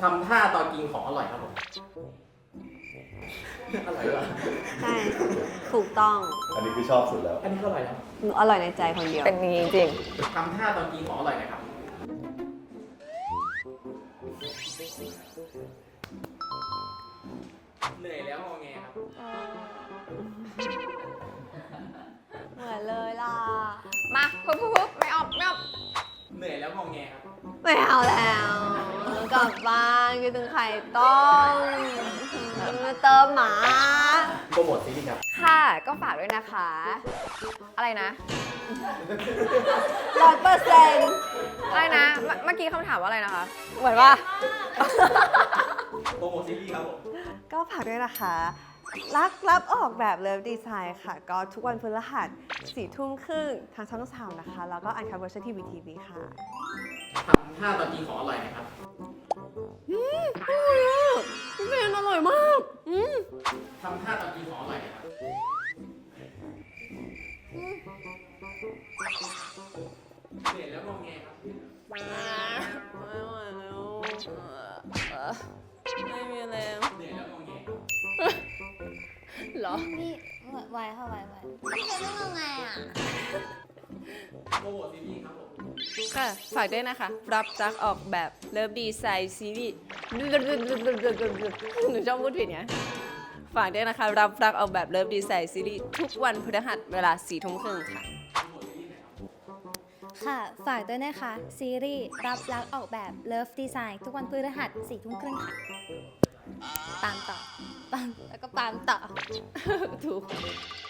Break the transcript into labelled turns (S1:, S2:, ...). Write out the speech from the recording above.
S1: ทำท่าตอนกินของอร่อยครับผมอร่อยว่ะ
S2: ใช่ ถูกต้อง
S3: อันนี้คือชอบสุดแล้ว
S1: อันนี้ก็อร่อยแล้ว
S2: หนูอร่อยในใจคนเดียว
S4: เป็นอย่างนี้จริง
S1: ทำท่าตอนกินของอร่อยหนะครับเหนื่อยแล้วงอแงครับ
S2: เหมือนเลยล่ะ
S4: มาปุ๊บไม่ออก
S1: เหนื่อยแล้วงอแงครับ
S2: ไม่เอาแล้วกลับบ้านกินถึงไข่ต้มมาเติมหมา
S1: โปรโมทซีรีส์ครับ
S4: ค่ะก็ฝากด้วยนะคะ อะไรนะ
S2: 100%
S4: อะไรนะ เมื่อกี้คำถามว่าอะไรนะคะ
S2: เหมือนว่า
S1: โปรโมทซีรีส์ครับผม
S2: ก็ฝากด้วยนะคะ รักรับออกแบบเลิฟดีไซน์ค่ะ ก็ทุกวันพฤหัส4 ทุ่มครึ่งทางช่อง3นะคะ แล้วก็อันคับเวอร์ชันทีวีค่ะ
S1: ทำท่าตอนกินของอร่อยหนะครับ
S2: พี่เบนอร่อยมาก
S1: ทำท่าตอนกินของอร่อยหนะครับเหนื่อยแล้วงอแงครับ
S2: ไม่ไหวแล้วไม่มีแรง
S1: เหนื่อยแล้วงอแง
S2: เหรอ
S5: นี่ไหวค่ะไหวพี่เป็นเรื่องไงอ่ะ
S1: โปรโมทซีรีส์ครับผม
S2: ค่ะ ฝากด้วยนะคะ รับรักออกแบบเลิฟดีไซน์ซีรีส์หนูชอบพูดผิดไงฝากด้วยนะคะ รับรักออกแบบเลิฟดีไซน์ซีรีส์ทุกวันพฤหัสเวลา4 ทุ่มครึ่งค่ะ
S5: ค่ะ ฝากด้วยนะคะ ซีรีส์รับรักออกแบบ Love Design ทุกวันพฤหัส4 ทุ่มครึ่งค่ะ ตามต่อ ตามแล้วก็ตามต่อ
S2: ถูก